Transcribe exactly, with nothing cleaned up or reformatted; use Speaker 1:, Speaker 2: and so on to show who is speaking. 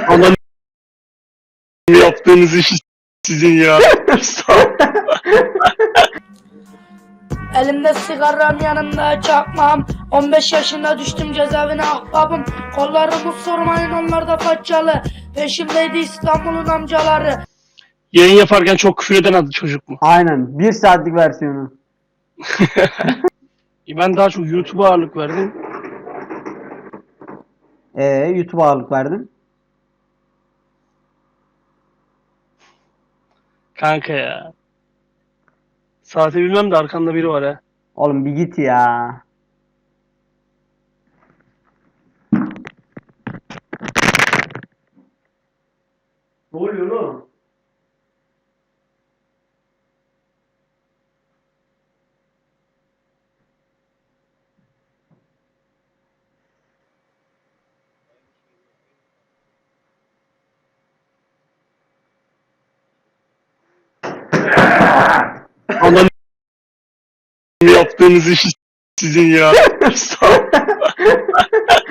Speaker 1: Anam yaptığınız iş sizin ya.
Speaker 2: Elimde sigaram, yanımda çakmağım. on beş yaşında düştüm cezaevine ahbabım. Kollarımı sormayın, onlar da faccalı. Peşimdeydi İstanbul'un amcaları.
Speaker 1: Yayın yaparken çok küfür eden adı çocuk mu?
Speaker 3: Aynen. Bir saatlik versiyonu.
Speaker 1: Ben daha çok YouTube'a ağırlık verdim.
Speaker 3: Ee, YouTube'a ağırlık verdin.
Speaker 1: Kanka ya. Saati bilmem de arkamda biri var ha.
Speaker 3: Oğlum bir git ya. Ne oluyor oğlum?
Speaker 1: Anam yaptığınız iş sizin ya.